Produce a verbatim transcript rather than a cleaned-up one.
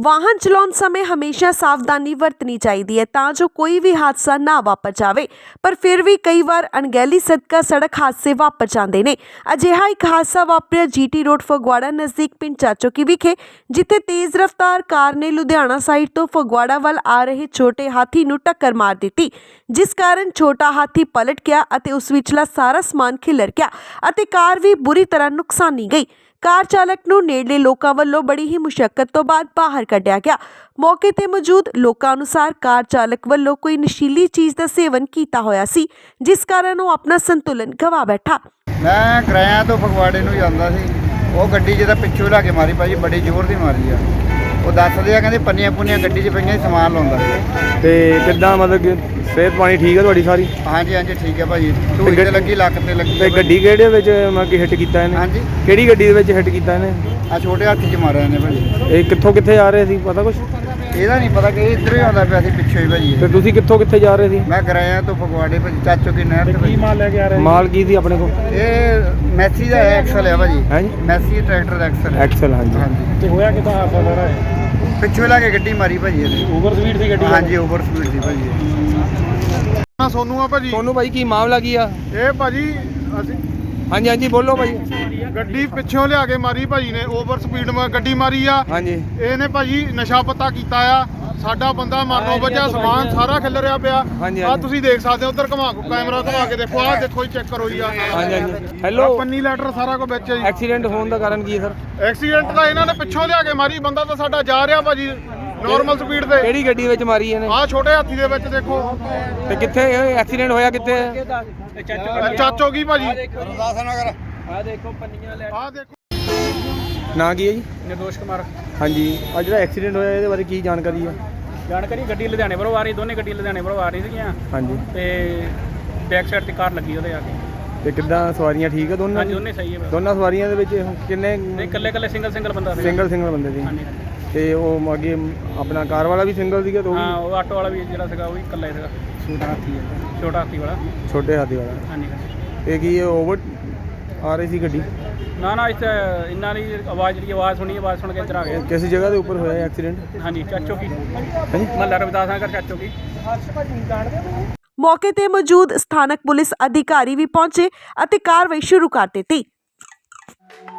वाहन चलाउण समय हमेशा सावधानी वरतनी चाहिए है तां जो कोई भी हादसा ना वापर जाए। पर फिर भी कई बार अणगहली सदका सड़क हादसे वापर जाते हैं। अजिहा एक हादसा वापरिया जीटी रोड फगवाड़ा नज़दीक पिंड चाचोकी विखे, जिथे तेज़ रफ्तार कार ने लुधियाना साइड तो फगवाड़ा वाल आ रहे छोटे हाथी नूं टक्कर मार दी, जिस कारण छोटा हाथी पलट गया अते उस विचला सारा समान खिलर गया अते कार भी बुरी तरह नुकसानी गई। कार चालक नूं नेड़ले लोकां वल्लों बड़ी ही मुशक्कत तो बाद बाहर कढ़िया गया। मौके ते मौजूद लोकां अनुसार कार चालक वल्लों कोई नशीली चीज़ का सेवन किया होया सी, जिस कारण वो अपना संतुलन गवा बैठा। मैं किराया तो फगवाड़े नूं जांदा सी, वो गड्डी जिहदा पिछों ला के मारी भाजी, बड़ी जोर दी मारी आ। वो दसदे आ कहंदे पन्नियां पुन्नियां गड्डी 'च पईयां सी, समान लाउंदा सी। ते किद्दां मतलब कि सेहत पानी ठीक है तुहाडी सारी? हाँ जी हाँ जी ठीक है भाजी, ढूई ते लगी, लक ते लगी। ते गड्डी किहड़े विच मतलब कि हिट कीता इहने? हाँ जी किहड़ी गड्डी दे विच हिट कीता इहने? आ छोटे हाथी 'च मारिया इहने भाजी। ਇਹ ਕਿੱਥੋਂ ਕਿੱਥੇ ਜਾ ਰਹੇ ਸੀ ਪਤਾ ਕੁਛ? ਇਹਦਾ ਨਹੀਂ ਪਤਾ ਕਿ ਇੱਧਰੋਂ ਹੀ ਆਉਂਦਾ ਪਿਆ ਸੀ ਪਿੱਛੋਂ ਹੀ ਭਾਜੀ। ਤੇ ਤੁਸੀਂ ਕਿੱਥੋਂ ਕਿੱਥੇ ਜਾ ਰਹੇ ਸੀ? ਮੈਂ ਕਿਰਾਇਆ ਤੋਂ ਫਗਵਾੜੇ ਭਾਜੀ, ਚਾਚੋ ਕੀ ਨਹਿਰ ਤੇ ਭਾਜੀ। ਮਾਲ ਲੈ ਕੇ ਆ ਰਹੇ ਮਾਲ ਕੀ ਸੀ ਆਪਣੇ ਕੋਲ? ਇਹ ਮੈਸੀ ਦਾ ਐਕਸਲ ਹੈ ਭਾਜੀ। ਹੈ ਜੀ ਮੈਸੀ ਟਰੈਕਟਰ ਦਾ ਐਕਸਲ ਹੈ। ਐਕਸਲ ਹਾਂਜੀ ਹਾਂਜੀ। ਤੇ ਹੋਇਆ ਕਿਦਾਂ ਹਾਦਸਾ ਸਾਰਾ ਇਹ? ਪਿੱਛੋਂ ਲਾ ਕੇ ਗੱਡੀ ਮਾਰੀ ਭਾਜੀ ਇਹਨੇ। ਓਵਰ ਸਪੀਡ ਸੀ ਗੱਡੀ? ਹਾਂਜੀ ਓਵਰ ਸਪੀਡ ਸੀ ਭਾਜੀ। ਸੋਨੂ ਆ ਭਾਜੀ। ਸੋਨੂ ਭਾਈ ਕੀ ਮਾਮਲਾ ਕੀ ਆ? ਇਹ ਭਾਜੀ ਅਸੀਂ ਹਾਂਜੀ ਹਾਂਜੀ ਬੋਲੋ ਭਾਈ। ਗੱਡੀ ਪਿੱਛੋਂ ਲਿਆ ਕੇ ਮਾਰੀ ਭਾਜੀ ਨੇ, ਓਵਰ ਸਪੀਡ ਮਾ ਗੱਡੀ ਮਾਰੀ ਆ। ਹਾਂਜੀ ਇਹਨੇ ਭਾਜੀ ਨਸ਼ਾ ਪੱਤਾ ਕੀਤਾ ਆ, ਸਾਡਾ ਬੰਦਾ ਮਾਰਨੋਂ ਵਜਾ, ਸਮਾਨ ਸਾਰਾ ਖਿਲਰਿਆ ਪਿਆ। ਹਾਂਜੀ, ਆ ਹਾਂਜੀ। ਤੁਸੀਂ ਦੇਖ ਸਕਦੇ ਹੋ, ਉਧਰ ਘੁਮਾ ਕੈਮਰਾ ਘੁਮਾ ਕੇ ਦੇਖੋ, ਆ ਦੇਖੋ ਜੀ, ਚੈੱਕ ਕਰੋ ਜੀ। ਆ ਹਾਂਜੀ ਹਾਂਜੀ ਹੈਲੋ, ਪੰਨੀ ਲੈਟਰ ਸਾਰਾ ਕੁਝ ਵਿੱਚ ਹੈ ਜੀ। ਐਕਸੀਡੈਂਟ ਹੋਣ ਦਾ ਕਾਰਨ ਕੀ ਹੈ ਸਰ? ਐਕਸੀਡੈਂਟ ਦਾ ਇਹਨਾਂ ਨੇ ਪਿੱਛੋਂ ਲਿਆ ਕੇ ਮਾਰੀ, ਬੰਦਾ ਤਾਂ ਸਾਡਾ ਜਾ ਰਿਹਾ ਭਾਜੀ ਨਾਰਮਲ ਸਪੀਡ ਤੇ। ਕਿਹੜੀ ਗੱਡੀ ਵਿੱਚ ਮਾਰੀ ਇਹਨੇ? ਆ ਛੋਟੇ ਹਾਥੀ ਦੇ ਵਿੱਚ ਦੇਖੋ। ਤੇ ਕਿੱਥੇ ਐਕਸੀਡੈਂਟ ਹੋਇਆ ਕਿੱਥੇ? ਚਾਚੋ ਕੀ ਭਾਜੀ। ਆ ਦੇਖੋ ਪੰਨੀਆਂ ਲੈ। ਆ ਦੇਖੋ ਨਾਂ ਕੀ ਹੈ ਜੀ? निर्दोष कुमार। ਹਾਂਜੀ ਆ ਜਿਹੜਾ ਐਕਸੀਡੈਂਟ ਹੋਇਆ ਇਹਦੇ ਬਾਰੇ ਕੀ ਜਾਣਕਾਰੀ ਹੈ? ਜਾਣਕਾਰੀ ਗੱਡੀ ਲੁਧਿਆਣੇ ਵੱਲੋਂ ਆ ਰਹੀ, ਦੋਨੇ ਗੱਡੀ ਲੁਧਿਆਣੇ ਵੱਲੋਂ ਆ ਰਹੀ ਸੀਗੀਆਂ ਹਾਂਜੀ ਤੇ ਬੈਕ ਸਾਈਡ ਤੇ ਕਾਰ ਲੱਗੀ ਉਹਦੇ ਆ ਕੇ। ਤੇ ਕਿੱਦਾਂ ਸਵਾਰੀਆਂ ਠੀਕ ਆ ਦੋਨਾਂ? ਹਾਂਜੀ ਦੋਨੇ ਸਹੀ ਹੈ। ਦੋਨਾਂ ਸਵਾਰੀਆਂ ਦੇ ਵਿੱਚ ਕਿੰਨੇ? ਨਹੀਂ ਇਕੱਲੇ ਇਕੱਲੇ ਸਿੰਗਲ ਸਿੰਗਲ ਬੰਦਾ ਸੀ। ਸਿੰਗਲ ਸਿੰਗਲ ਬੰਦੇ ਸੀ। ਹਾਂਜੀ ਤੇ ਉਹ ਅੱਗੇ ਆਪਣਾ ਕਾਰ ਵਾਲਾ ਵੀ ਸਿੰਗਲ ਸੀਗਾ? ਤੇ ਹਾਂ ਉਹ ਉਹ ਆਟੋ ਵਾਲਾ ਵੀ ਜਿਹੜਾ ਸੀਗਾ ਉਹ ਵੀ ਇਕੱਲਾ ਹੀ ਸੀਗਾ। ਛੋਟਾ ਹਾਥੀ ਹੈ, ਛੋਟਾ ਹਾਥੀ ਵਾਲਾ। ਛੋਟੇ ਹਾਥੀ ਵਾਲਾ। ਹਾਂਜੀ ਇਹ ਕੀ ਓਵਰ ਆ ਰਹੀ ਸੀ ਗੱਡੀ? ਨਾ ਨਾ ਇੱਥੇ ਇੰਨਾ ਨਹੀਂ, ਆਵਾਜ਼ ਜਿਹੜੀ ਆਵਾਜ਼ ਸੁਣੀ, ਆਵਾਜ਼ ਸੁਣ ਕੇ ਇੱਧਰ ਆ ਗਏ। ਕਿਸ ਜਗ੍ਹਾ ਦੇ ਉੱਪਰ ਹੋਇਆ ਐਕਸੀਡੈਂਟ? ਹਾਂਜੀ ਚਾਚੋ ਕੀ ਹਾਂਜੀ ਮਹੱਲਾ ਰਵਿਦਾਸ ਨਗਰ ਚਾਚੋ ਕੀ। मौके ते मौजूद स्थानक पुलिस अधिकारी भी पहुंचे अते कार्रवाई शुरू कर दी।